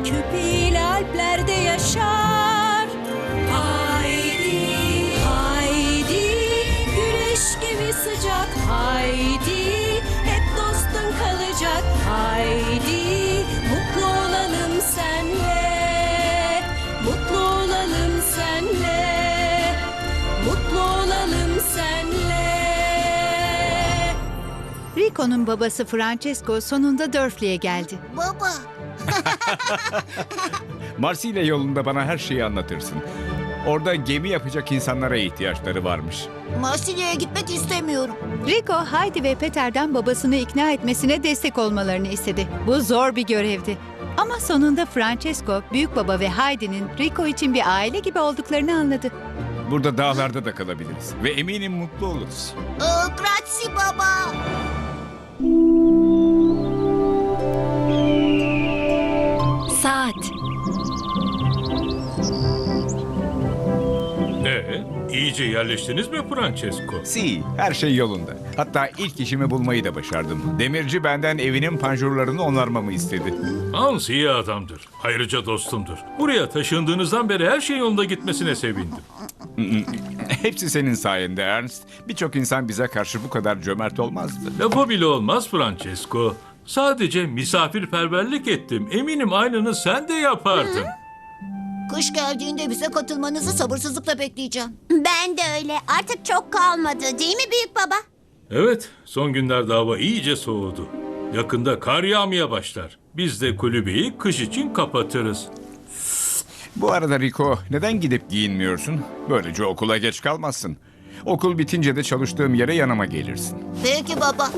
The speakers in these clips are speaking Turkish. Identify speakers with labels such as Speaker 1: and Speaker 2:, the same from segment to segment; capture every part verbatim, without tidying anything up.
Speaker 1: köpeğiyle Alplerde yaşar. Haydi, haydi, güneş gibi sıcak. Haydi, hep dostun kalacak. Haydi, mutlu olalım senle. Mutlu olalım senle. Mutlu olalım senle.
Speaker 2: Rico'nun babası Francesco sonunda Durflee'ye geldi.
Speaker 3: Baba.
Speaker 4: Marsilya yolunda bana her şeyi anlatırsın. Orada gemi yapacak insanlara ihtiyaçları varmış.
Speaker 3: Marsilya'ya gitmek istemiyorum.
Speaker 2: Rico, Heidi ve Peter'den babasını ikna etmesine destek olmalarını istedi. Bu zor bir görevdi. Ama sonunda Francesco, büyük baba ve Heidi'nin Rico için bir aile gibi olduklarını anladı.
Speaker 4: Burada dağlarda da kalabiliriz ve eminim mutlu oluruz.
Speaker 3: Ee, grazie baba.
Speaker 1: Saat.
Speaker 5: Ee, iyice yerleştiniz mi Francesco?
Speaker 4: Si, her şey yolunda. Hatta ilk işimi bulmayı da başardım. Demirci benden evinin panjurlarını onarmamı istedi.
Speaker 5: Hans iyi adamdır. Ayrıca dostumdur. Buraya taşındığınızdan beri her şey yolunda gitmesine sevindim.
Speaker 4: Hepsi senin sayende Ernst. Birçok insan bize karşı bu kadar cömert olmazdı.
Speaker 5: Lafı bile olmaz Francesco. Sadece misafirperverlik ettim. Eminim aynını sen de yapardın.
Speaker 3: Kış geldiğinde bize katılmanızı sabırsızlıkla bekleyeceğim.
Speaker 6: Ben de öyle. Artık çok kalmadı değil mi büyük baba?
Speaker 5: Evet, son günlerde hava iyice soğudu. Yakında kar yağmaya başlar. Biz de kulübeyi kış için kapatırız.
Speaker 4: Bu arada Rico, neden gidip giyinmiyorsun? Böylece okula geç kalmazsın. Okul bitince de çalıştığım yere yanıma gelirsin.
Speaker 3: Peki baba.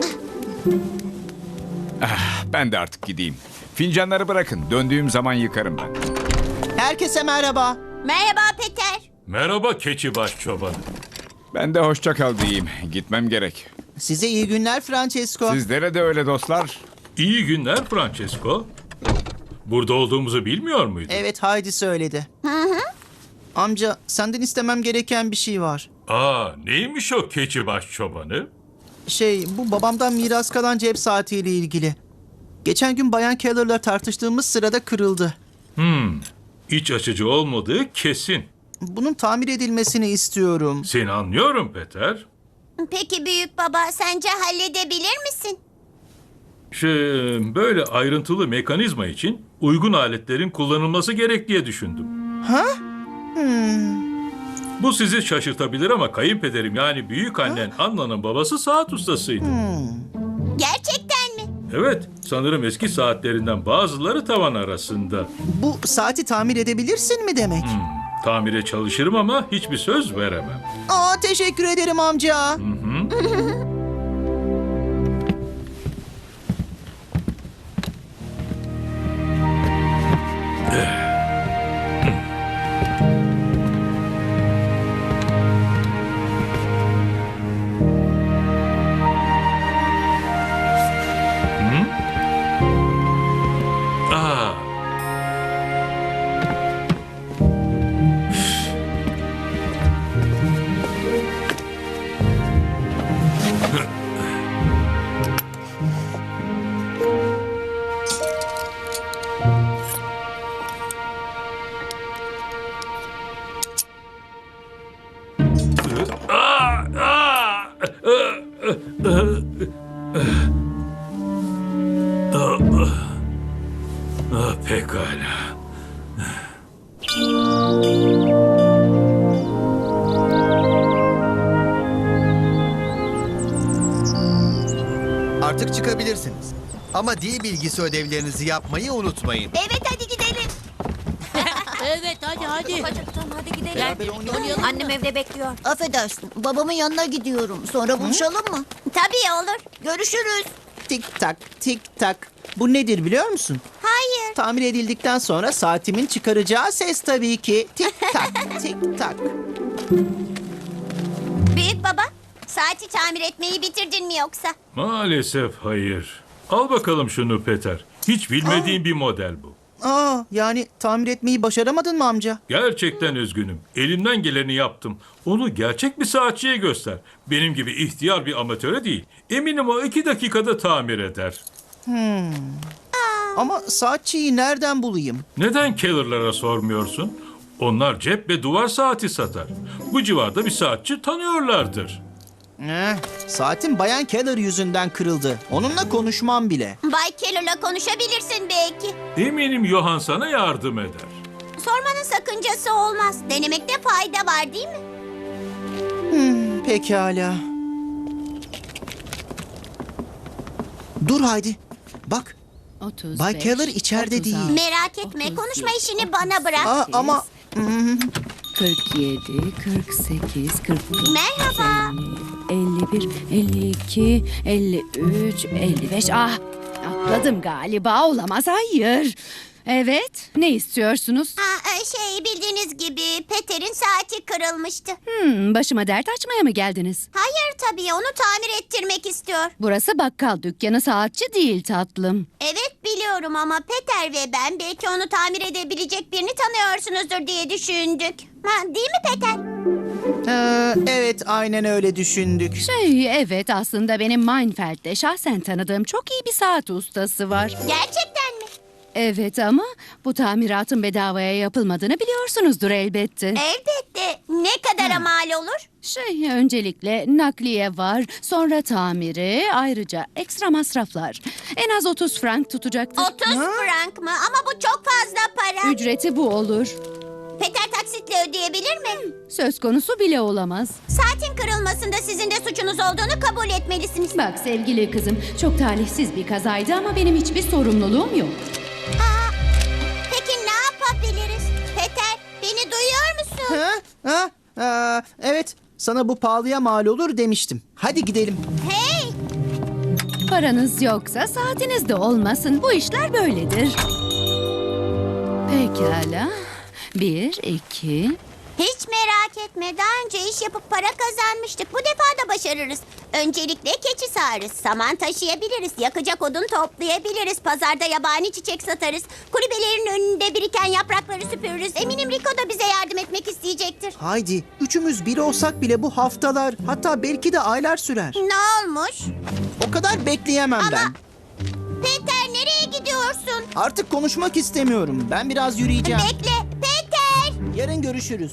Speaker 4: Ben de artık gideyim. Fincanları bırakın. Döndüğüm zaman yıkarım ben.
Speaker 7: Herkese merhaba.
Speaker 6: Merhaba Peter.
Speaker 5: Merhaba keçibaş çobanı.
Speaker 4: Ben de hoşça kal diyeyim. Gitmem gerek.
Speaker 7: Size iyi günler Francesco.
Speaker 4: Sizlere de öyle dostlar.
Speaker 5: İyi günler Francesco. Burada olduğumuzu bilmiyor muydun?
Speaker 7: Evet, Heidi söyledi. Amca, senden istemem gereken bir şey var.
Speaker 5: Aa, neymiş o keçibaş çobanı?
Speaker 7: Şey, bu babamdan miras kalan cep saatiyle ilgili. Geçen gün Bayan Keller'la tartıştığımız sırada kırıldı.
Speaker 5: İç açıcı olmadığı kesin.
Speaker 7: Bunun tamir edilmesini istiyorum.
Speaker 5: Seni anlıyorum Peter.
Speaker 6: Peki büyük baba sence halledebilir misin?
Speaker 5: Şey, böyle ayrıntılı mekanizma için uygun aletlerin kullanılması gerek diye düşündüm.
Speaker 7: Ha?
Speaker 5: Bu sizi şaşırtabilir ama kayınpederim yani büyük annen Anna'nın babası saat ustasıydı.
Speaker 6: Gerçekten mi?
Speaker 5: Evet, sanırım eski saatlerinden bazıları tavan arasında.
Speaker 7: Bu saati tamir edebilirsin mi demek?
Speaker 5: Tamire çalışırım ama hiçbir söz veremem.
Speaker 7: Aa, teşekkür ederim amca.
Speaker 5: Aa, aa, aa, ah, pekala.
Speaker 8: Artık çıkabilirsiniz. Ama dil bilgisi ödevlerinizi yapmayı unutmayın.
Speaker 6: Evet hadi gidelim.
Speaker 9: Evet hadi hadi.
Speaker 6: Acıktım hadi gidelim.
Speaker 9: Gel oynayalım.
Speaker 6: Annem evde bekliyor.
Speaker 3: Affedersin. Babamın yanına gidiyorum. Sonra buluşalım mı?
Speaker 6: Tabii olur.
Speaker 3: Görüşürüz.
Speaker 7: Tik tak, tik tak. Bu nedir biliyor musun?
Speaker 6: Hayır.
Speaker 7: Tamir edildikten sonra saatimin çıkaracağı ses tabii ki. Tik tak, tik tak.
Speaker 6: Büyük baba saati tamir etmeyi bitirdin mi yoksa?
Speaker 5: Maalesef hayır. Al bakalım şunu Peter. Hiç bilmediğim bir model bu.
Speaker 7: Aa, yani tamir etmeyi başaramadın mı amca?
Speaker 5: Gerçekten üzgünüm. Elimden geleni yaptım. Onu gerçek bir saatçiye göster. Benim gibi ihtiyar bir amatöre değil. Eminim o iki dakikada tamir eder.
Speaker 6: Aa,
Speaker 7: Ama saatçiyi nereden bulayım?
Speaker 5: Neden Keller'lara sormuyorsun? Onlar cep ve duvar saati satar. Bu civarda bir saatçi tanıyorlardır.
Speaker 7: Eh, saatim Bayan Keller yüzünden kırıldı. Onunla konuşmam bile.
Speaker 6: Bay Keller'la konuşabilirsin belki.
Speaker 5: Eminim Johan sana yardım eder.
Speaker 6: Sormanın sakıncası olmaz. Denemekte fayda var değil mi?
Speaker 7: Pekala. Dur Haydi. Bak,
Speaker 9: otuz
Speaker 7: Bay
Speaker 9: beş,
Speaker 7: Keller içeride
Speaker 9: otuz
Speaker 7: değil.
Speaker 9: altı,
Speaker 6: Merak etme.
Speaker 9: otuz
Speaker 6: Konuşma
Speaker 9: yedi,
Speaker 6: işini bana bırak.
Speaker 7: Aa, ama
Speaker 9: kırk yedi, kırk sekiz, kırk dokuz,
Speaker 6: Merhaba.
Speaker 9: elli bir, elli iki, elli üç, elli beş. Ah, atladım galiba. Olamaz, hayır. Evet, ne istiyorsunuz?
Speaker 6: Ha, e, şey bildiğiniz gibi Peter'in saati kırılmıştı.
Speaker 9: Hmm, başıma dert açmaya mı geldiniz?
Speaker 6: Hayır tabii onu tamir ettirmek istiyor.
Speaker 9: Burası bakkal dükkanı, saatçi değil tatlım.
Speaker 6: Evet biliyorum ama Peter ve ben belki onu tamir edebilecek birini tanıyorsunuzdur diye düşündük. Ha, değil mi Peter?
Speaker 7: Ee, evet aynen öyle düşündük.
Speaker 9: Şey, evet, aslında benim Meinfeld'de şahsen tanıdığım çok iyi bir saat ustası var.
Speaker 6: Gerçekten mi?
Speaker 9: Evet ama bu tamiratın bedavaya yapılmadığını biliyorsunuzdur elbette.
Speaker 6: Elbette. Ne kadara mal olur?
Speaker 9: Şey, öncelikle nakliye var, sonra tamiri, ayrıca ekstra masraflar. En az otuz frank tutacaktır.
Speaker 6: otuz frank mı? Ama bu çok fazla para.
Speaker 9: Ücreti bu olur.
Speaker 6: Peter taksitle ödeyebilir mi?
Speaker 9: Söz konusu bile olamaz.
Speaker 6: Saatin kırılmasında sizin de suçunuz olduğunu kabul etmelisiniz.
Speaker 9: Bak sevgili kızım, çok talihsiz bir kazaydı ama benim hiçbir sorumluluğum yok.
Speaker 6: Aa, peki ne yapabiliriz? Peter, beni duyuyor musun?
Speaker 7: Ha? Ha? Aa, evet, sana bu pahalıya mal olur demiştim. Hadi gidelim.
Speaker 6: Hey!
Speaker 9: Paranız yoksa saatiniz de olmasın. Bu işler böyledir. Pekala. Bir, iki...
Speaker 6: Hiç merak etme. Daha önce iş yapıp para kazanmıştık. Bu defa da başarırız. Öncelikle keçi sağarız. Saman taşıyabiliriz. Yakacak odun toplayabiliriz. Pazarda yabani çiçek satarız. Kulübelerin önünde biriken yaprakları süpürürüz. Eminim Rico da bize yardım etmek isteyecektir.
Speaker 7: Haydi, üçümüz bir olsak bile bu haftalar, hatta belki de aylar sürer.
Speaker 6: Ne olmuş?
Speaker 7: O kadar bekleyemem
Speaker 6: Ama-
Speaker 7: ben.
Speaker 6: Peter nereye gidiyorsun?
Speaker 7: Artık konuşmak istemiyorum. Ben biraz yürüyeceğim.
Speaker 6: Bekle. Peter!
Speaker 7: Yarın görüşürüz.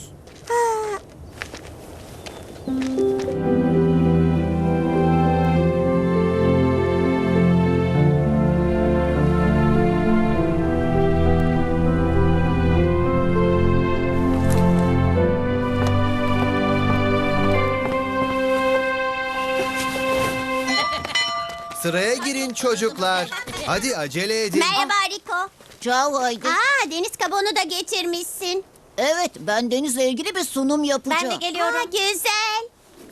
Speaker 8: Sıraya girin çocuklar. Hadi acele edin.
Speaker 6: Merhaba Rico.
Speaker 3: Ciao Haydi.
Speaker 6: Aa, deniz kabuğunu da getirmişsin.
Speaker 3: Evet, ben denizle ilgili bir sunum yapacağım.
Speaker 6: geliyorum. Aa, güzel.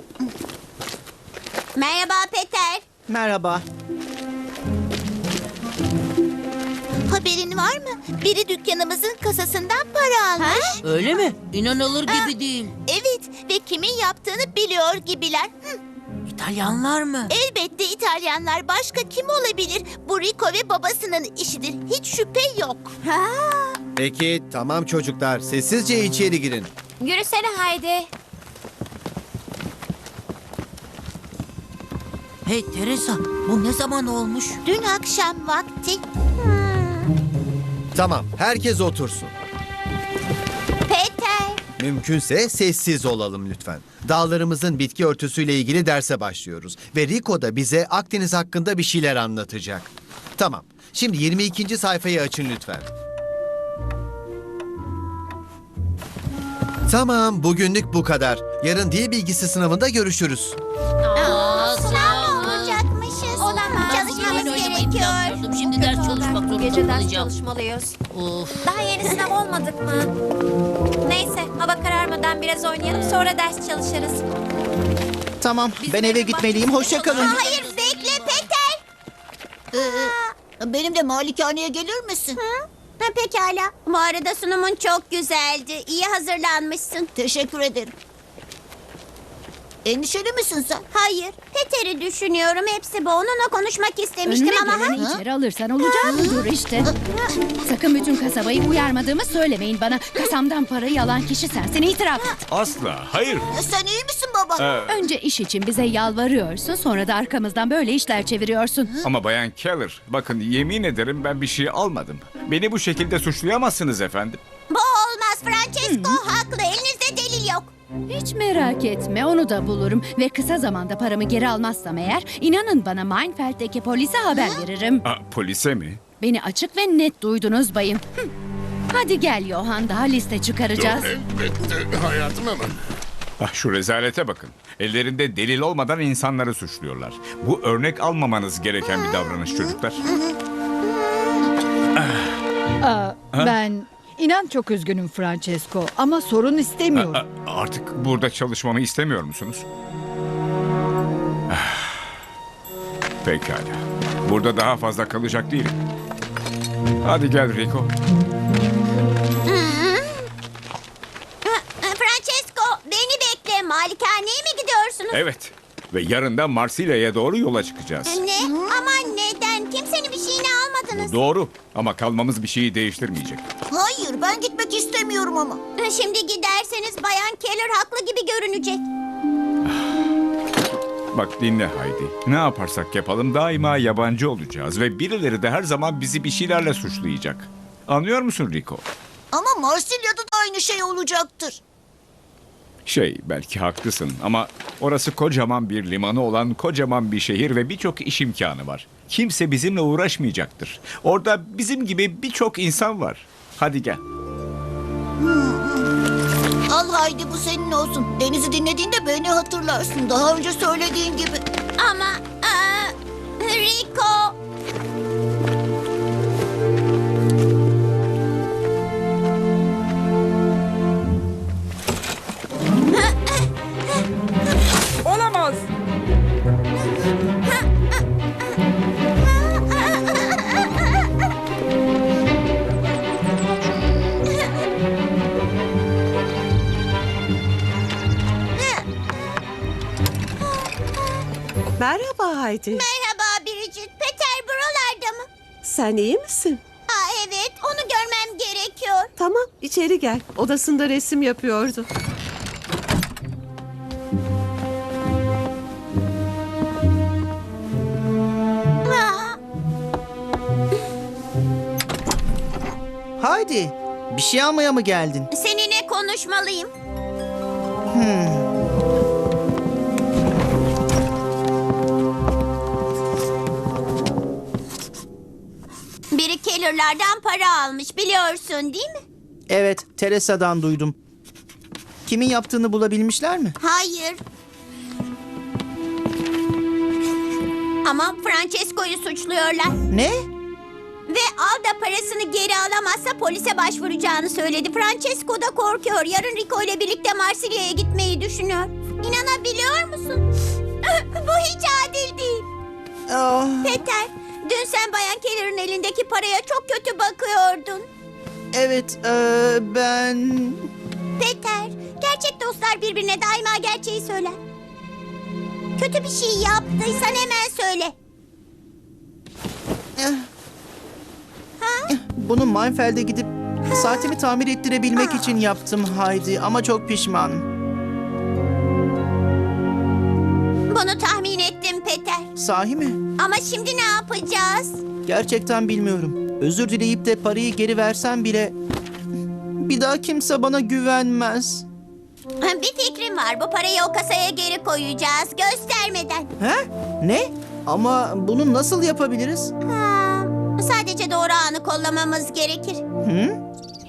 Speaker 6: Merhaba Peter.
Speaker 7: Merhaba.
Speaker 6: Haberin var mı? Biri dükkanımızın kasasından para almış.
Speaker 9: Öyle mi? İnanılır gibi değil.
Speaker 6: Evet ve kimin yaptığını biliyor gibiler. Hı,
Speaker 9: İtalyanlar mı?
Speaker 6: elbette İtalyanlar. Başka kim olabilir? Bu Rico ve babasının işidir. Hiç şüphe yok. Ha.
Speaker 8: Peki tamam çocuklar, sessizce içeri girin.
Speaker 6: Yürüsene Haydi.
Speaker 9: Hey Teresa, bu ne zaman olmuş?
Speaker 6: Dün akşam vakti.
Speaker 8: Tamam, herkes otursun.
Speaker 6: Peter.
Speaker 8: Mümkünse sessiz olalım lütfen. Dağlarımızın bitki örtüsüyle ilgili derse başlıyoruz. Ve Rico da bize Akdeniz hakkında bir şeyler anlatacak. Tamam, şimdi yirmi ikinci sayfayı açın lütfen. Tamam, bugünlük bu kadar. Yarın dil bilgisi sınavında görüşürüz.
Speaker 6: Aa, sınav mı olacakmışız? Olamaz. Çalışmamız gerekiyor.
Speaker 9: Şimdi ders çalışmak zorunda
Speaker 10: Gece ders
Speaker 9: olacağım.
Speaker 10: çalışmalıyız.
Speaker 9: Of.
Speaker 10: Daha yeni sınav olmadık mı? Neyse, hava kararmadan biraz oynayalım, sonra ders çalışırız.
Speaker 7: Tamam, ben eve gitmeliyim. Hoşça kalın.
Speaker 6: Hayır bekle Peter.
Speaker 3: Ee, benim de malikaneye gelir misin?
Speaker 6: Hı? Ha, pekala. Bu arada sunumun çok güzeldi. İyi hazırlanmışsın.
Speaker 3: Teşekkür ederim. Endişeli misin sen?
Speaker 6: Hayır, Peter'i düşünüyorum. Hepsi bu. Onunla konuşmak istemiştim
Speaker 9: Önüne
Speaker 6: ama...
Speaker 9: geleni
Speaker 6: ha?
Speaker 9: içeri alırsan olacağı budur işte. Sakın bütün kasabayı uyarmadığımı söylemeyin bana. Kasamdan parayı alan kişi sensin, itiraf et.
Speaker 4: Asla, hayır.
Speaker 3: E, Sen iyi misin baba?
Speaker 4: Ee,
Speaker 9: Önce iş için bize yalvarıyorsun, sonra da arkamızdan böyle işler çeviriyorsun.
Speaker 4: ama Bayan Keller, bakın yemin ederim ben bir şey almadım. Beni bu şekilde suçlayamazsınız efendim.
Speaker 6: Bu olmaz. Francesco haklı. Elinizde delil yok.
Speaker 9: Hiç merak etme, onu da bulurum. Ve kısa zamanda paramı geri almazsam eğer, inanın bana Meinfeld'deki polise haber veririm.
Speaker 4: Aa, polise mi?
Speaker 9: Beni açık ve net duydunuz bayım. Hı. Hadi gel Johan, daha liste çıkaracağız.
Speaker 4: Ah, şu rezalete bakın. Ellerinde delil olmadan insanları suçluyorlar. Bu örnek almamanız gereken bir davranış çocuklar.
Speaker 2: Aa, ben inan çok üzgünüm Francesco ama sorun istemiyorum.
Speaker 4: Aa, artık burada çalışmamı istemiyor musunuz? Ah, pekala. Burada daha fazla kalacak değilim. Hadi gel Rico.
Speaker 6: Francesco, beni bekle. Malikaneye mi gidiyorsunuz?
Speaker 4: Evet. Ve yarın da Marsilya'ya doğru yola çıkacağız.
Speaker 6: Ne? Ama neden? Kimsenin bir şeyini almadınız.
Speaker 4: Doğru. Ama kalmamız bir şeyi değiştirmeyecek.
Speaker 3: Hayır, ben gitmek istemiyorum ama.
Speaker 6: Şimdi giderseniz Bayan Keller haklı gibi görünecek.
Speaker 4: Bak dinle Haydi. Ne yaparsak yapalım daima yabancı olacağız. Ve birileri de her zaman bizi bir şeylerle suçlayacak. Anlıyor musun Rico?
Speaker 3: Ama Marsilya'da da aynı şey olacaktır.
Speaker 4: Şey, belki haklısın ama orası kocaman bir limanı olan kocaman bir şehir ve birçok iş imkanı var. Kimse bizimle uğraşmayacaktır. Orada bizim gibi birçok insan var. Hadi gel.
Speaker 3: Al Haydi, bu senin olsun. Deniz'i dinlediğinde beni hatırlarsın. Daha önce söylediğin gibi.
Speaker 6: Ama aa, Rico...
Speaker 1: Olamaz.
Speaker 11: Merhaba Haydi.
Speaker 6: Merhaba Bridget. Peter buralarda mı?
Speaker 11: Sen iyi misin?
Speaker 6: Aa, evet, onu görmem gerekiyor.
Speaker 11: Tamam, içeri gel. Odasında resim yapıyordu.
Speaker 6: Aa,
Speaker 7: Haydi, bir şey almaya mı geldin?
Speaker 6: seninle konuşmalıyım. Biri Keller'lardan para almış, biliyorsun değil mi?
Speaker 7: Evet, Teresa'dan duydum. Kimin yaptığını bulabilmişler mi?
Speaker 6: Hayır. Ama Francesco'yu suçluyorlar.
Speaker 7: Ne?
Speaker 6: Ve Alda parasını geri alamazsa polise başvuracağını söyledi. Francesco da korkuyor. Yarın Rico ile birlikte Marsilya'ya gitmeyi düşünüyor. İnanabiliyor musun? Bu hiç adil değil.
Speaker 7: Ah,
Speaker 6: Peter, dün sen Bayan Keller'ın elindeki paraya çok kötü bakıyordun.
Speaker 7: evet, eee, ben...
Speaker 6: Peter, gerçek dostlar birbirine daima gerçeği söyler. Kötü bir şey yaptıysan hemen söyle.
Speaker 7: Bunu Meinfeld'e gidip saatimi tamir ettirebilmek için yaptım Haydi ama çok pişmanım.
Speaker 6: Bunu tahmin ettim Peter.
Speaker 7: Sahi mi?
Speaker 6: Ama şimdi ne yapacağız?
Speaker 7: Gerçekten bilmiyorum. Özür dileyip de parayı geri versem bile bir daha kimse bana güvenmez.
Speaker 6: Bir fikrim var. Bu parayı o kasaya geri koyacağız göstermeden.
Speaker 7: He? Ne? Ama bunu nasıl yapabiliriz?
Speaker 6: Ha, sadece doğru anı kollamamız gerekir.
Speaker 7: Hı?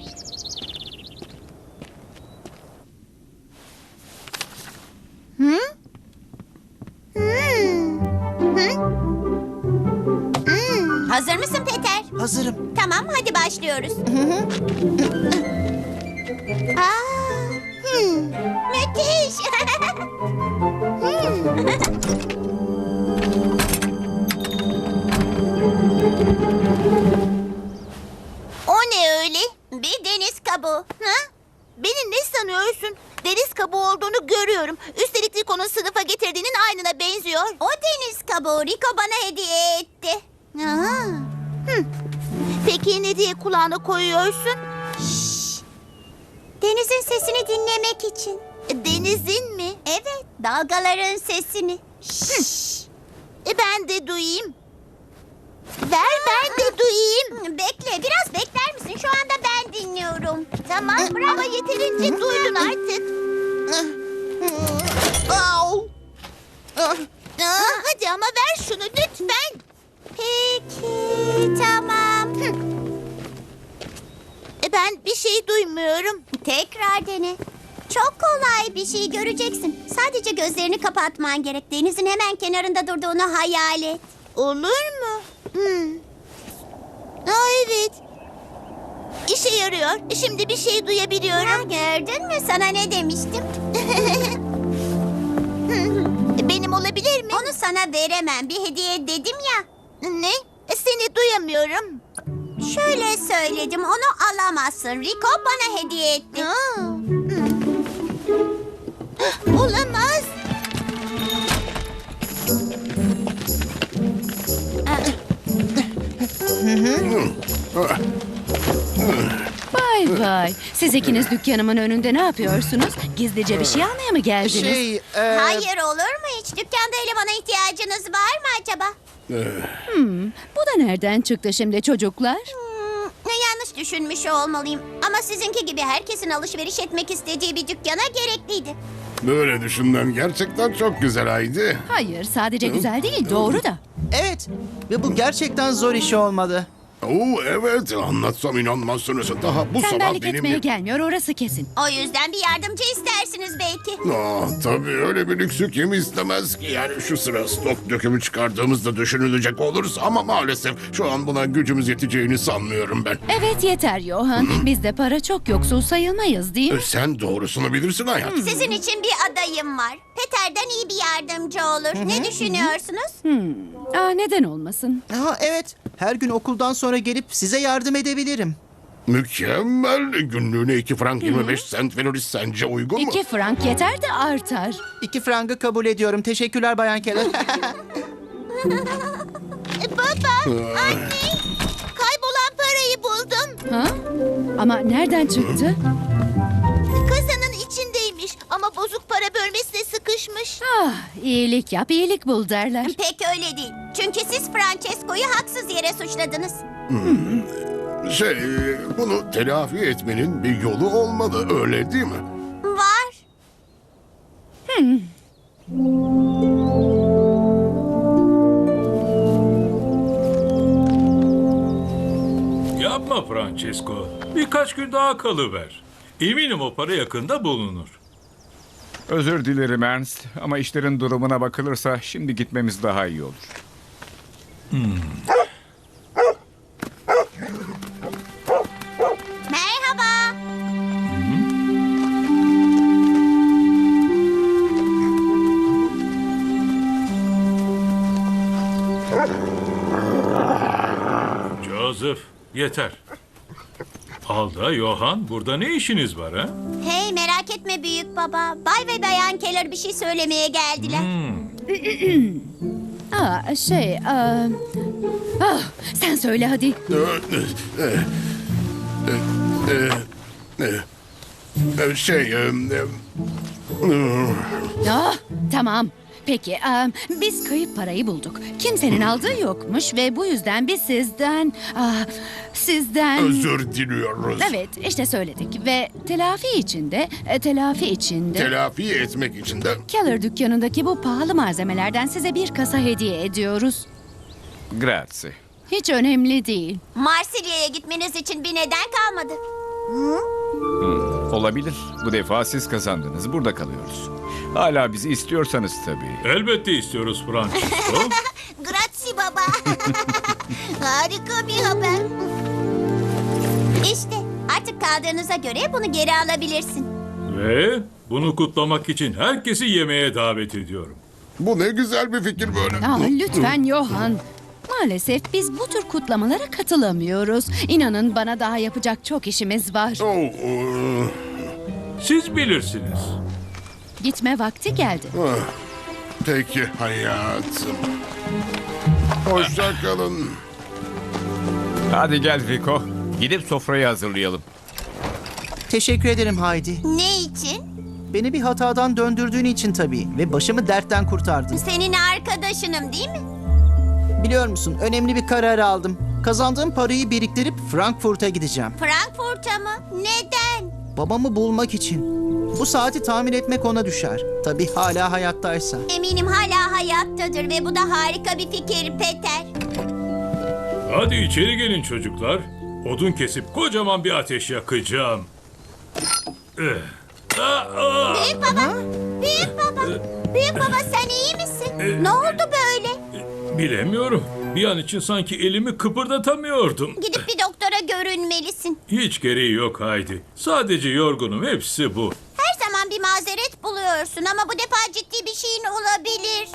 Speaker 6: Hı? Hmm. Hı? Hmm. Hazır mısın Peter?
Speaker 7: Hazırım.
Speaker 6: Tamam, hadi başlıyoruz. Aa, hmm, müthiş. Hmm. O ne öyle? Bir deniz kabuğu. Ha? Beni ne sanıyorsun?
Speaker 3: deniz kabuğu olduğunu görüyorum. Üstelik Rico'nun sınıfa getirdiğinin aynına benziyor.
Speaker 6: O deniz kabuğu Rico bana hediye etti.
Speaker 3: Aha. Hı. Peki ne diye kulağına koyuyorsun?
Speaker 6: Denizin sesini dinlemek için.
Speaker 3: Denizin mi?
Speaker 6: Evet, dalgaların sesini.
Speaker 3: E ben de duyayım. Ver ben de duyayım.
Speaker 6: Bekle, biraz bekler misin? Şu anda ben dinliyorum.
Speaker 3: Tamam ama yeterince duydun artık. Au. Aa, hadi ama ver şunu lütfen.
Speaker 6: Peki, tamam.
Speaker 3: E ben bir şey duymuyorum.
Speaker 6: Tekrar dene. Çok kolay bir şey göreceksin. Sadece gözlerini kapatman gerek. Denizin hemen kenarında durduğunu hayal et.
Speaker 3: Olur mu? Hmm. Aa, evet. İşe yarıyor. Şimdi bir şey
Speaker 6: Ha,
Speaker 3: duyabiliyorum.
Speaker 6: gördün mü? Sana ne demiştim?
Speaker 3: Benim olabilir mi?
Speaker 6: Onu sana veremem. Bir hediye dedim ya.
Speaker 3: Ne? E, Seni duyamıyorum.
Speaker 6: Şöyle söyledim. Onu alamazsın. Rico bana hediye etti.
Speaker 3: Aa. Hmm. Olamaz.
Speaker 9: Vay vay. Siz ikiniz dükkanımın önünde ne yapıyorsunuz? Gizlice bir şey almaya mı geldiniz?
Speaker 7: Şey, e,
Speaker 6: Hayır olur mu hiç? Dükkanda elemana ihtiyacınız var mı acaba?
Speaker 9: Bu da nereden çıktı şimdi çocuklar?
Speaker 6: Hmm, yanlış düşünmüş olmalıyım. Ama sizinki gibi herkesin alışveriş etmek istediği bir dükkana gerekliydi.
Speaker 12: Böyle düşünmen gerçekten çok güzel Haydi.
Speaker 9: Hayır, sadece güzel değil, doğru da.
Speaker 7: evet. Ve bu gerçekten zor iş olmadı.
Speaker 12: Oo evet, anlatsam inanmazsınız. Daha bu sabah
Speaker 9: Tembellik
Speaker 12: benim...
Speaker 9: etmeye gelmiyor, orası kesin.
Speaker 6: O yüzden bir yardımcı istersiniz belki.
Speaker 12: Aa, tabii öyle bir lüksü kim istemez ki? Yani şu sıra stok dökümü çıkardığımızda düşünülecek olursa ama maalesef şu an buna gücümüz yeteceğini sanmıyorum ben.
Speaker 9: Evet yeter Johan. Bizde para çok yoksul sayılmayız değil mi?
Speaker 12: E, Sen doğrusunu bilirsin hayatım.
Speaker 6: Sizin için bir adayım var. Peter'den iyi bir yardımcı olur. Ne düşünüyorsunuz?
Speaker 9: Aa, neden olmasın?
Speaker 7: Aha, evet. Her gün okuldan sonra gelip size yardım edebilirim.
Speaker 12: Mükemmel. Günlüğüne iki frank yirmi beş sent veririz, sence uygun mu?
Speaker 9: İki frank yeter de artar.
Speaker 7: İki frangı kabul ediyorum. Teşekkürler Bayan Keller.
Speaker 3: E, baba, anne. Kaybolan parayı buldum.
Speaker 9: Ha? Ama nereden çıktı?
Speaker 3: Kasanın içindeymiş ama bozuk para bölmesine sıkışmış.
Speaker 9: Ah, iyilik yap, iyilik bul derler.
Speaker 6: Pek öyle değil. Çünkü siz Francesco'yu haksız yere suçladınız.
Speaker 12: Şey, bunu telafi etmenin bir yolu olmalı, öyle değil mi?
Speaker 6: Var.
Speaker 5: Yapma Francesco. Birkaç gün daha kalıver. Eminim o para yakında bulunur.
Speaker 4: Özür dilerim Ernst ama işlerin durumuna bakılırsa şimdi gitmemiz daha iyi olur.
Speaker 6: Merhaba.
Speaker 5: Joseph, yeter. Alda, Johan, burada ne işiniz var ha?
Speaker 6: Hey merak etme büyük baba. Bay ve Bayan Keller bir şey söylemeye geldiler.
Speaker 9: Aa, şey, aa... Ah, sen söyle hadi.
Speaker 12: Ee, Şey, e, e,
Speaker 9: Ah, tamam. Peki, aa, biz kayıp parayı bulduk. Kimsenin aldığı yokmuş ve bu yüzden biz sizden... ah, sizden...
Speaker 12: özür diliyoruz.
Speaker 9: Evet, işte söyledik ve telafi içinde, e, telafi içinde...
Speaker 12: Telafi etmek için de
Speaker 9: Keller dükkanındaki bu pahalı malzemelerden size bir kasa hediye ediyoruz.
Speaker 4: Grazie.
Speaker 9: Hiç önemli değil.
Speaker 6: Marsilya'ya gitmeniz için bir neden kalmadı.
Speaker 4: Olabilir. Bu defa siz kazandınız. Burada kalıyoruz. Hala bizi istiyorsanız tabii.
Speaker 5: Elbette istiyoruz Francesco.
Speaker 3: Grazie baba. Harika bir haber.
Speaker 6: İşte artık kaldığınıza göre bunu geri alabilirsin.
Speaker 5: Ve bunu kutlamak için herkesi yemeğe davet ediyorum.
Speaker 12: bu ne güzel bir fikir böyle.
Speaker 9: Aa, lütfen Johan. Maalesef biz bu tür kutlamalara katılamıyoruz. İnanın bana daha yapacak çok işimiz var.
Speaker 12: Oh, e,
Speaker 5: Siz bilirsiniz.
Speaker 9: Gitme vakti geldi.
Speaker 12: Ah, peki hayatım. Hoşça kalın.
Speaker 4: Hadi gel Rico. Gidip sofrayı hazırlayalım.
Speaker 7: Teşekkür ederim Haydi.
Speaker 6: Ne için?
Speaker 7: Beni bir hatadan döndürdüğün için tabii ve başımı dertten kurtardın.
Speaker 6: Senin arkadaşınım değil mi?
Speaker 7: Biliyor musun, önemli bir karar aldım. Kazandığım parayı biriktirip Frankfurt'a gideceğim.
Speaker 6: Frankfurt'a mı? Neden?
Speaker 7: Babamı bulmak için. Bu saati tamir etmek ona düşer. Tabii hala hayattaysa.
Speaker 6: Eminim hala hayattadır ve bu da harika bir fikir Peter.
Speaker 5: Hadi içeri gelin çocuklar. Odun kesip kocaman bir ateş yakacağım. Eh. Ah, ah.
Speaker 6: Büyük baba, büyük baba, büyük baba sen iyi misin? Ne oldu böyle?
Speaker 5: Bilemiyorum. Bir an için sanki elimi kıpırdatamıyordum.
Speaker 6: Gidip bir doktora görünmelisin.
Speaker 5: Hiç gereği yok Haydi. Sadece yorgunum, hepsi bu.
Speaker 6: Her zaman bir mazeret buluyorsun ama bu defa ciddi bir şeyin olabilir.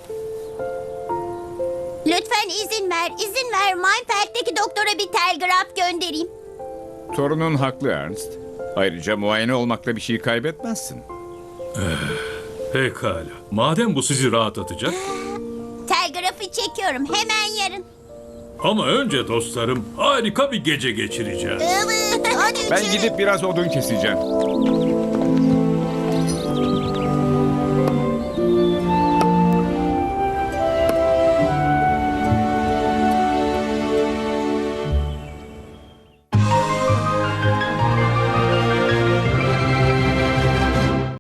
Speaker 6: Lütfen izin ver, izin ver. Mainfeld'deki doktora bir telgraf göndereyim.
Speaker 4: Torunun haklı Ernst. Ayrıca muayene olmakla bir şey kaybetmezsin.
Speaker 5: Pekala. Madem bu sizi rahatlatacak.
Speaker 6: Telgrafı çekiyorum hemen yarın.
Speaker 5: Ama önce dostlarım harika bir gece geçireceğiz.
Speaker 6: Evet, hadi
Speaker 4: Ben
Speaker 6: içeri.
Speaker 4: gidip biraz odun keseceğim.